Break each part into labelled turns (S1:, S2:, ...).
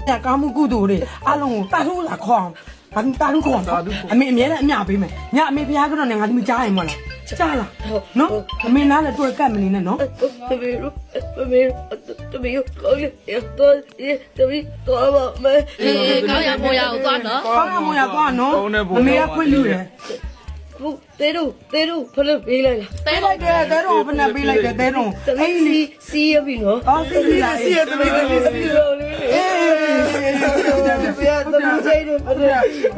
S1: ကားမှုကုသိုလ်တွေအလုံးကိုတာထုလာခေါအောင်ဘာတာထုခေါအောင်အမေအမြဲတမ်းအမြပေးမယ်ညအမေဖျားကတော့ငါသမီးကြားရင်မလားကြားလားနော်အမေနားလည်းတွေ့ကတ်မနေနဲ့နော်
S2: တမီးတို့ကောင်းရတော့တမီးတော့ပါမယ်
S3: ကောင်းရမောရကိုသွားနော်
S1: ကောင်းရမရသွားနော်အမေကခွင့်လူတယ်
S2: ဟုတ်တဲတို့ဖလို့ပေးလိုက်လား
S1: တဲလိုက်တယ်တဲတော့ဘယ်နဲ့ပေးလိုက်တယ်တဲတော့
S2: တမီးစီးရပြီနော်
S1: အော်စီလာစီတမီးတမီး
S2: စီးရောလေးအေးဘယ်တမီးဆိုင်တယ်ဘယ်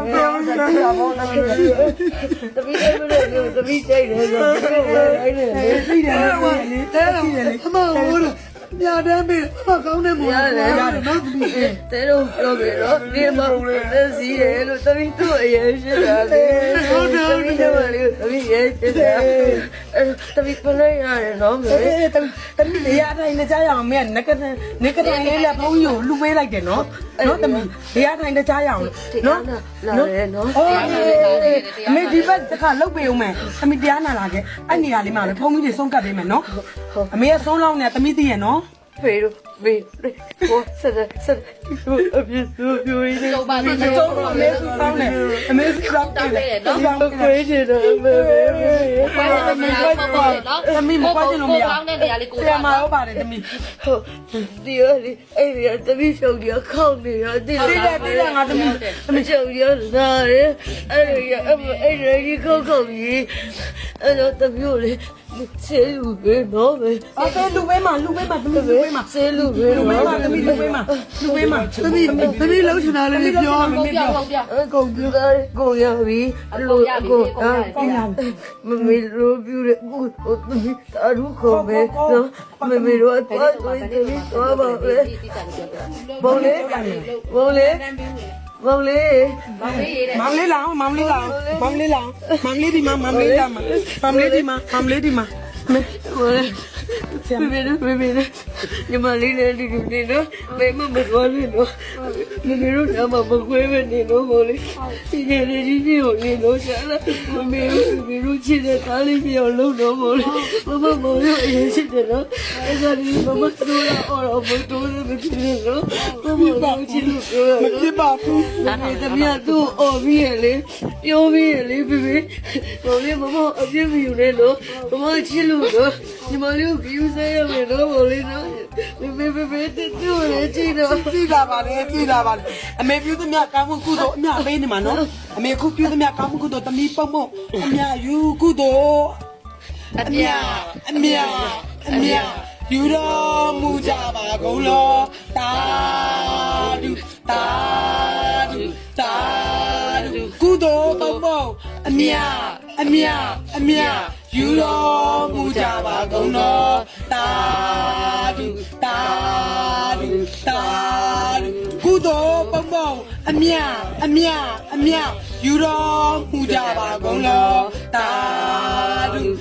S2: တမီးဆိုင်တယ်တမီးဆိုင်တယ်ဆိုတော့အဲ့ဒါလေ
S1: သိတယ်လေတဲတော့အမဟုတ်ညတန်းပေးအမကောင်းတယ်မို့ရတယ်နော်သမီး
S2: တဲတို့ပြောကြတော့ဒီမှာသက်စီးတယ်လို့တမီးတို့အရင်ရှိတာလေဟုတ်တယ်တမီးရဲ့ရှိတာတမီးဖလို့ရတယ်နော်မေ
S1: တမီးနေရာတိုင်းနဲ့ကြားရအောင်မင်းကနကလေးလေးလက်ဖုံးကြီးကိုလူပေးလိုက်တယ်နော်နော်တမီးနေရာတိုင်းနဲ့ကြားရအောင်နော်
S2: လာရဲနော်
S1: အမေဒီဘက်တခါလုတ်ပေးအောင်မယ်တမီးတရားနာလာခဲ့အဲ့နေရာလေးမှာလေဖုံးကြီးတွေဆုံးကပ်ပေးမယ်နော်အမေကဆုံးလောင်းနေတမီးသိရနော်
S2: ဖေတို့ဖေဟိုဆက်အပြည့်စုံပြိုရင်း
S3: တော့ပါတော့
S1: ကျောင်းအမေစုပေါင်းတယ်အမေစုပေါင်းတယ်နော်
S2: ခွေးချင်တယ်မေ
S3: ခွဲတယ်မရပေါ့ပေါ့နော်
S1: တမီးမပွားချင်လို့မရ
S3: ကောင်းတဲ့နေရာလေးကို
S1: ဆရာမရောပါတယ်တမီး
S2: ဟုတ်ဒီရလေအဲ့ဒီတမီးရှုပ်ရခေါင်းနေရတိ
S1: တိတယ်ငါတမီး
S2: တမီးရှုပ်ရလာရဲအဲ့ဒီခေါင်းကြီးအဲ့တော့တမီးကိုလေဆေးလူပဲနော်ပဲ
S1: အော်လူပေးမှာတမီးလူပေးမှာ
S2: ဆေးလူပဲ
S1: လူပေးမှာတမီးလူပေးမှာတမီးလုံးချင်တာလေးပြောမမေပြော
S3: ဟုတ်ပြ
S2: ကုန်ပြတယ်ကိုရပြီလို့ကိုမမေတို့ပြတယ်ကိုသမီးတာရုခုံပဲနော်မမေတို့တော့တော့ပါပဲဘုံလေးဘုံလေးမောင်လေး
S1: မောင်လေးလောင်မောင်လေးဒီမှာမောင်လေးဒီမှာမေ
S2: ဟိုလေဘေဘေညီမလေးလည်းဒီလိုနေတော့ဘယ်မှမသွားနဲ့တော့မမေတို့ကမှမခွဲပဲနေတော့ဟိုလေဒီကနေ့ဒီကိုနေလို့ရှာလာမမေတို့ချစ်တဲ့ကားလေးပြောင်းလို့တော့ဟိုလေမမမောင်တို့အရင်ရှိတယ်နော်အဲ့ဒါဒီမမတို့လာအော်တော့မတို့လည်းမဖြစ်နေတော့မမတို့ချစ်လို့ပြောရ
S1: မဖြစ်ပါဘူး
S2: ဒါနဲ့တမီးတို့အော်ပြီးရလေပြောပြီးရလေဘေဘေမောင်လေးမမအပြစ်မယူနဲ့လို့မမချစ်လို့တော့ညီမလေးကိုယူဆရမယ်နော်မောင်လေးနော်ဘေတူလေချစ်တော့
S1: ကြည့်လာပါလေအမေပြုသမျှကောင်းမှုကုသိုလ်အမြပေးနေမှာနော်အမေခုပြုသမျှကောင်းမှုကုသိုလ်တမီးပုံပုံအမြယူကုသိုလ်အမြယူတော်မူကြပါကုန်လောတာဒုကုသိုလ်ပုံပုံအမြယူတော်မူကြပါကုန်လောတာဒုကုသိုလ်ပုံပုံအမြယူတော်မူကြပါကုန်လောတာဒု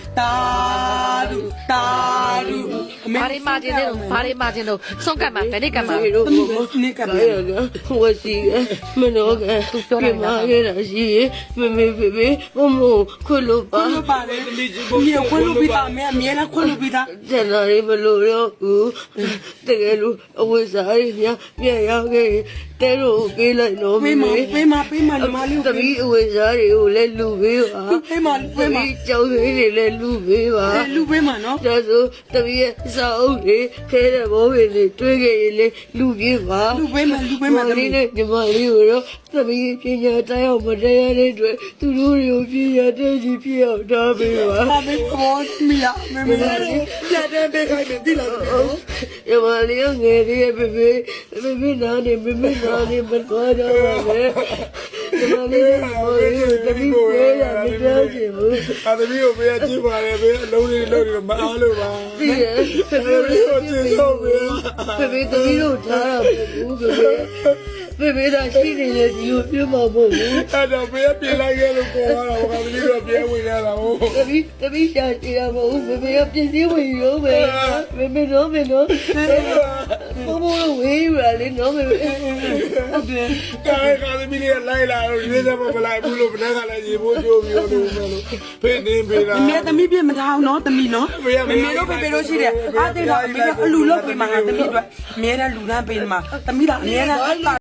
S3: ဘာတွေမာခြင်းလို့ဆုံးကတ်မှာဘယ်နေ့ကတ်မှာ
S2: တို့
S1: နိကပ်
S2: ဘာရလဲဟိုရှိမနောကပြမခဲ့တာရှိမမေဘေမမခွလို့ပါ
S1: ခွင့်ပါလေမြေခွင့်လို့ပြီးသားအမေအမြဲတမ်းခွင့်လို့ပြီးသား
S2: ကျန်တာလေးမလို့တော့ဘူးတကယ်လို့အဝိဇ္ဇာကြီးပြန်ရောက်ခဲ့တဲတို့ပေးလိုက်တော့
S1: ပေးမညီမလေး
S2: တမီးအဝိဇ္ဇာတွေကိုလည်းလူပေးပါ
S1: ပေးမ
S2: ကျောင်းလေးတွေလည်းလူပေးပါ
S1: လူပေးမနော်
S2: ဒါဆိုတမီးရဲ့စာအုပ်တွေခဲတဲ့ဘောပင်တွေတွေးခဲ့ရင်လည်းလူပေးပါ
S1: လူပေးမ
S2: တမီးနဲ့ညီမလေးကိုတော့တမီးပညာတိုင်းအောင်မတရားတဲ့အတွက်သူတို့တွေကိုပညာတဲ့ကြီးပြအောင်ထားပေးပါ
S1: အမေကောမီလာမေပြတဲ့ပေးခိုင်းတယ်ဒီလား
S2: ညီမလေးငယ်လေးရဲ့ဘေနာနေမတော်တော့ပါနဲ့ညီမလေးတမီးပေးရမပြောချင်ဘူး
S4: အသမီးကိုပေးကြည့်ပါလေပေးအလုံးလေးလုံးလေးမအားလို့ပါ
S2: ဒီရဲ့တမီးကိုကျေးဇူးပေးဘေတမီးတို့ထားတာဘူးဘေဒါရှိနေလေဒီကိုပြမဖို့ဘူး
S4: အဲ့တော့ပေးပြင်လိုက်ခဲ့လို့ပေါ်လာတော့သမီးတို့ပြန်ဝင်ရတာဟုတ်
S2: တမီးရှာကြည့်ရမဟုတ်ဘေကပြင်းစည်းဝင်ရောဘေတော့မလို့ဝေးရလေနော်ဘေ
S1: ဟုတ်တယ်
S4: ကာသမီးလေးလိုက်လာတော့ရွေးတယ်မလိုက်ဘူးလို့ဘယ်ကလည်းရေပိုးကြိုးပြီးလို့ဖေးနေပေးတာ
S1: အမေသမီးပြမထားအောင်နော်သမီးနော်မေတို့ဖေတို့ရှိတယ်အားသိတော့အမေကအလူလုပ်ပေးမှာငါသမီးအတွက်အမြဲတမ်းလူလန်းပေးမှာသမီးကအမြဲတမ်း